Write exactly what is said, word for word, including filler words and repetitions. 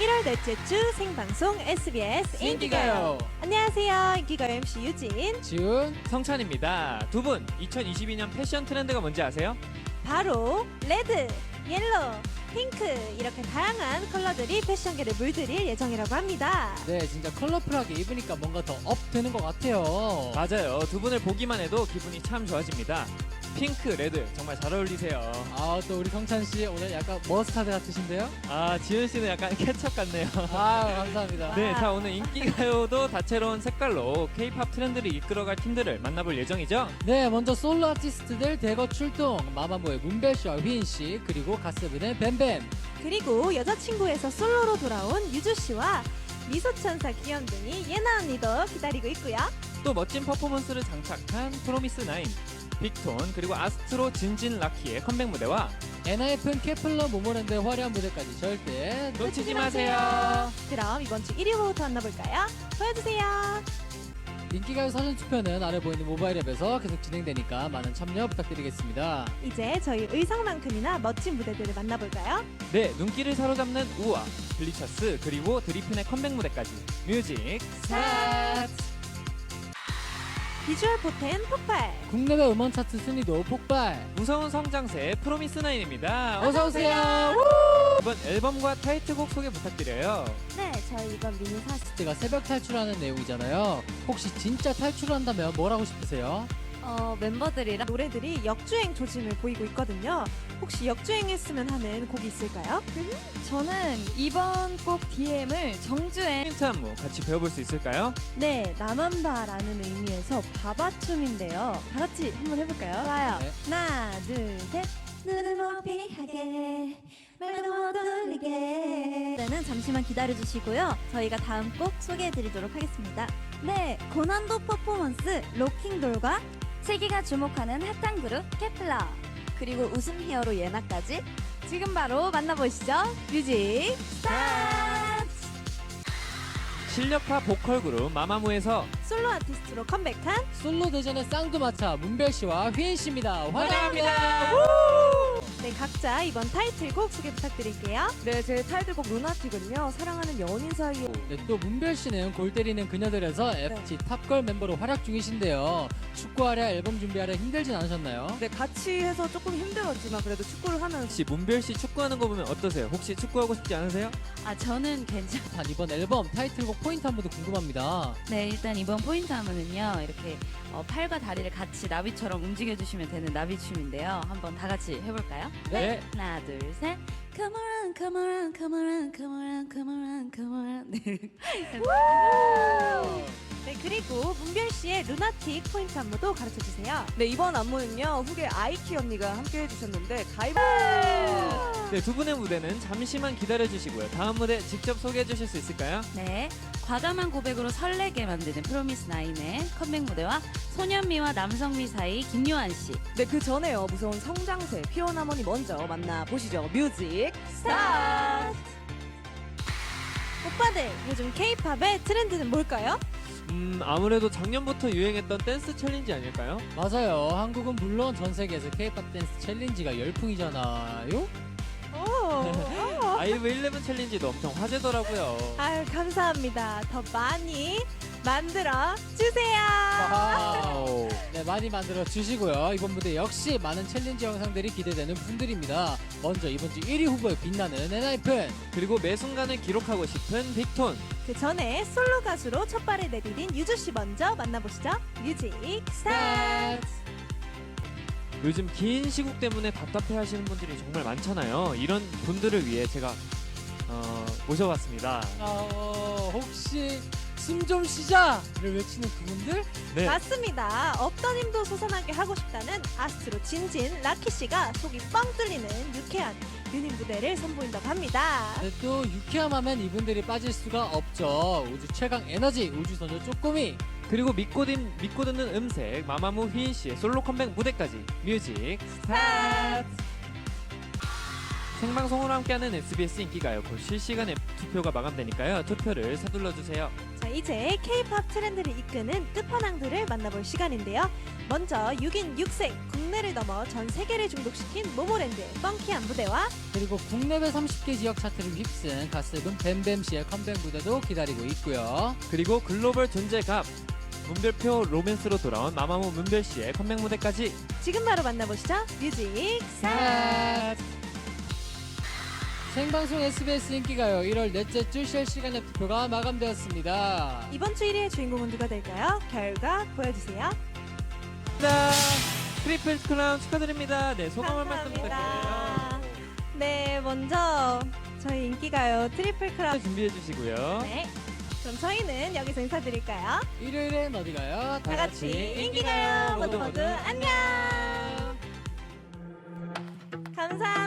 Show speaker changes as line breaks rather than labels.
일월 넷째 주 생방송 에스비에스
인기가요.
안녕하세요. 인기가요 엠씨 유진,
지훈,
성찬입니다. 두 분 이천이십이 년 패션 트렌드가 뭔지 아세요?
바로 레드, 옐로우, 핑크 이렇게 다양한 컬러들이 패션계를 물들일 예정이라고 합니다.
네 진짜 컬러풀하게 입으니까 뭔가 더 업 되는 것 같아요.
맞아요. 두 분을 보기만 해도 기분이 참 좋아집니다. 핑크, 레드 정말 잘 어울리세요.
아 또 우리 성찬 씨 오늘 약간 머스타드 같으신데요?
아, 지은 씨는 약간 케첩 같네요.
아 감사합니다.
네, 자 오늘 인기가요도 다채로운 색깔로 K-팝 트렌드를 이끌어갈 팀들을 만나볼 예정이죠.
네 먼저 솔로 아티스트들 대거 출동. 마마무의 문별 씨와 휘인 씨 그리고 갓세븐의 뱀뱀.
그리고 여자친구에서 솔로로 돌아온 유주 씨와 미소천사 기현 등이 예나 언니도 기다리고 있고요.
또 멋진 퍼포먼스를 장착한 프로미스 나인, 빅톤 그리고 아스트로 진진 라키의 컴백 무대와
엔하이픈 케플러 모모랜드의 화려한 무대까지 절대
놓치지 마세요.
그럼 이번 주 일 위 후보부터 만나볼까요? 보여주세요.
인기가요 사전 투표는 아래 보이는 모바일 앱에서 계속 진행되니까 많은 참여 부탁드리겠습니다.
이제 저희 의상만큼이나 멋진 무대들을 만나볼까요?
네, 눈길을 사로잡는 우아, 블리처스 그리고 드리핀의 컴백 무대까지 뮤직 스타트!
비주얼 포텐 폭발!
국내외 음원 차트 순위도 폭발.
무서운 성장세 프로미스 나인입니다.
어서 오세요.
이번 앨범과 타이틀곡 소개 부탁드려요.
네, 저희 이번 미니 사스
가 새벽 탈출하는 내용이잖아요. 혹시 진짜 탈출한다면 뭘 하고 싶으세요?
어, 멤버들이랑 노래들이 역주행 조짐을 보이고 있거든요. 혹시 역주행했으면 하는 곡이 있을까요?
저는 이번 곡 디엠을 정주행
힌트 안무 같이 배워볼 수 있을까요?
네 나만바라는 의미에서 바바춤인데요. 다 같이 한번 해볼까요? 좋아요.
네.
하나 둘셋
눈을 못 피하게 말도 못 돌리게
는 잠시만 기다려주시고요. 저희가 다음 곡 소개해드리도록 하겠습니다. 네 고난도 퍼포먼스 로킹돌과 세계가 주목하는 핫한 그룹 케플러 그리고 웃음 히어로 예나까지 지금 바로 만나보시죠. 뮤직 스타트!
실력파 보컬 그룹 마마무에서
솔로 아티스트로 컴백한
솔로 대전의 쌍두마차 문별 씨와 휘인 씨입니다. 환영합니다.
네, 각자 이번 타이틀곡 소개 부탁드릴게요.
네, 제 타이틀곡 루나틱은요, 사랑하는 연인 사이에.
네, 또 문별 씨는 골 때리는 그녀들에서 에프티 탑걸 멤버로 활약 중이신데요. 축구하랴 앨범 준비하랴 힘들진 않으셨나요?
네, 같이 해서 조금 힘들었지만 그래도 축구를 하면서.
혹시 문별 씨 축구하는 거 보면 어떠세요? 혹시 축구하고 싶지 않으세요?
아 저는 괜찮.
단 이번 앨범 타이틀곡 포인트 한 번도 궁금합니다.
네, 일단 이번 포인트 하면은요, 이렇게 어, 팔과 다리를 같이 나비처럼 움직여주시면 되는 나비춤인데요. 한번 다 같이 해볼까요?
네.
하나, 둘, 셋. Come on, come on, come on, come on, come on, come on. 네.
네, 그리고 문별 씨의 루나틱 포인트 안무도 가르쳐 주세요.
네, 이번 안무는요, 후계 아이키 언니가 함께 해주셨는데, 가입.
네, 두 분의 무대는 잠시만 기다려주시고요. 다음 무대 직접 소개해 주실 수 있을까요?
네, 과감한 고백으로 설레게 만드는 프로미스 나인의 컴백 무대와 소년미와 남성미 사이 김요한 씨.
네, 그 전에요, 무서운 성장세, 피어나머니 먼저 만나보시죠. 뮤직 스타트!
오빠들, 요즘 K-팝의 트렌드는 뭘까요?
음, 아무래도 작년부터 유행했던 댄스 챌린지 아닐까요?
맞아요. 한국은 물론 전 세계에서 K-팝 댄스 챌린지가 열풍이잖아요.
오,
아이브 일레븐 챌린지도 엄청 화제더라고요.
아유, 감사합니다. 더 많이 만들어 주세요.
와우. 네, 많이 만들어 주시고요. 이번 무대 역시 많은 챌린지 영상들이 기대되는 분들입니다. 먼저 이번 주 일 위 후보에 빛나는 엔하이픈.
그리고 매 순간을 기록하고 싶은 빅톤.
그 전에 솔로 가수로 첫 발을 내디딘 유주 씨 먼저 만나보시죠. 뮤직 스타트.
요즘 긴 시국 때문에 답답해 하시는 분들이 정말 많잖아요. 이런 분들을 위해 제가 어, 모셔봤습니다.
어, 혹시 숨 좀 쉬자를 외치는 그분들?
네.
맞습니다. 없던 힘도 솟아나게 하고 싶다는 아스트로 진진 라키 씨가 속이 뻥 뚫리는 유쾌한 유닛 무대를 선보인다고 합니다.
네, 또 유쾌함 하면 이분들이 빠질 수가 없죠. 우주 최강 에너지 우주소녀 쪼꼬미.
그리고 믿고, 듣, 믿고 듣는 음색 마마무 휘인 씨의 솔로 컴백 무대까지 뮤직 스타트. 생방송으로 함께하는 에스비에스 인기가요. 곧 실시간 투표가 마감되니까요. 투표를 서둘러 주세요.
자, 이제 K-팝 트렌드를 이끄는 끝판왕들을 만나볼 시간인데요. 먼저 육 인 육 색 국내를 넘어 전 세계를 중독시킨 모모랜드의 펑키한 무대와
그리고 국내외 삼십 개 지역 차트를 휩쓴 가스군 뱀뱀씨의 컴백 무대도 기다리고 있고요.
그리고 글로벌 존재갑 문별표 로맨스로 돌아온 마마무 문별씨의 컴백 무대까지.
지금 바로 만나보시죠. 뮤직 스타트!
생방송 에스비에스 인기가요 일월 넷째 주 실시간의 투표가 마감되었습니다.
이번 주 일 위의 주인공은 누가 될까요? 결과 보여주세요.
자, 트리플 크라운 축하드립니다. 네, 소감 한 말씀
감사합니다.
부탁드려요.
네, 먼저 저희 인기가요 트리플 크라운.
준비해 주시고요.
네. 그럼 저희는 여기서 인사드릴까요?
일요일엔 어디 가요?
다 같이 인기가요 모두 모두 안녕. 감사합니다.